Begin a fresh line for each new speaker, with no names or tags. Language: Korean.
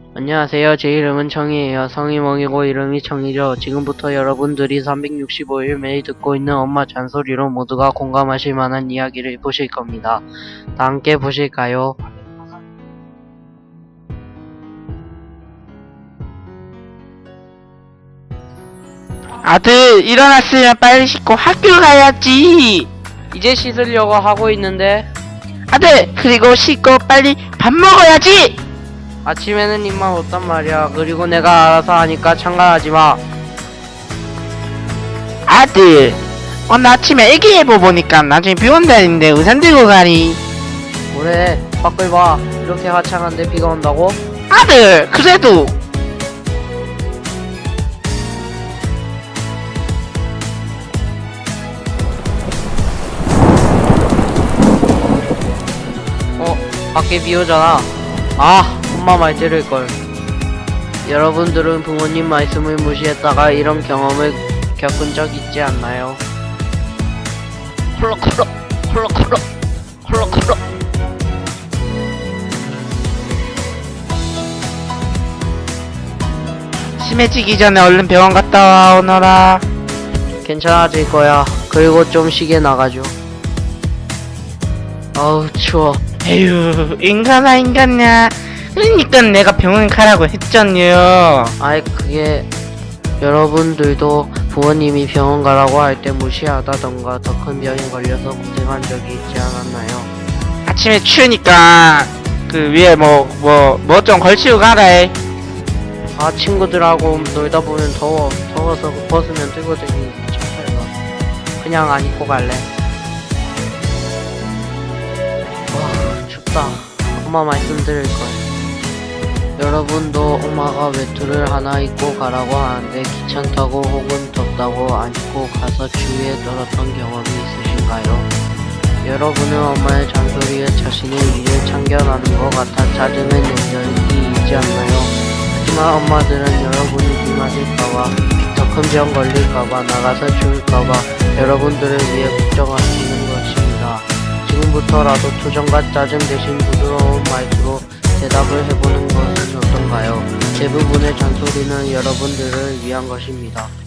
안녕하세요. 제 이름은 청이에요. 성이 멍이고 이름이 청이죠. 지금부터 여러분들이 365일 매일 듣고 있는 엄마 잔소리로 모두가 공감하실 만한 이야기를 보실 겁니다. 다 함께 보실까요?
아들, 일어났으면 빨리 씻고 학교 가야지.
이제 씻으려고 하고 있는데
아들, 그리고 씻고 빨리 밥 먹어야지.
아침에는 입만 없단 말이야. 그리고 내가 알아서 하니까 참가하지 마.
아들, 오늘 아침에 일기예보 보니까 나중에 비 온다는데 우산 들고 가니.
그래, 밖을 봐. 이렇게 화창한데 비가 온다고?
아들, 그래도
밖에 비 오잖아. 아, 엄마 말 들을걸. 여러분들은 부모님 말씀을 무시했다가 이런 경험을 겪은 적 있지 않나요? 콜록콜록 콜록콜록 콜록콜록.
심해지기 전에 얼른 병원 갔다 와 오너라.
괜찮아질 거야. 그리고 좀 쉬게 나가죠. 아우 추워.
에휴, 인간아 인간냐. 그러니까 내가 병원 가라고 했잖요.
아이 그게 여러분들도 부모님이 병원 가라고 할 때 무시하다던가 더 큰 병에 걸려서 고생한 적이 있지 않았나요?
아침에 추우니까 그 위에 뭐 좀 걸치고 가라.
아 친구들하고 놀다 보면 더워서 벗으면 뜨거든요. 참말로 그냥 안 입고 갈래. 와 춥다. 엄마 말씀 들을걸. 여러분도 엄마가 외투를 하나 입고 가라고 하는데 귀찮다고 혹은 덥다고 안 입고 가서 추위에 떨었던 경험이 있으신가요? 여러분은 엄마의 잔소리에 자신의 일을 참견하는 것 같아 짜증을 낸 적이 있지 않나요? 하지만 엄마들은 여러분이 비 맞을까봐 더 큰 병 걸릴까봐 나가서 추울까봐 여러분들을 위해 걱정하시는 것입니다. 지금부터라도 투정과 짜증 대신 부드러운 말투로 대답을 해보는 것은 어떤가요? 대부분의 잔소리는 여러분들을 위한 것입니다.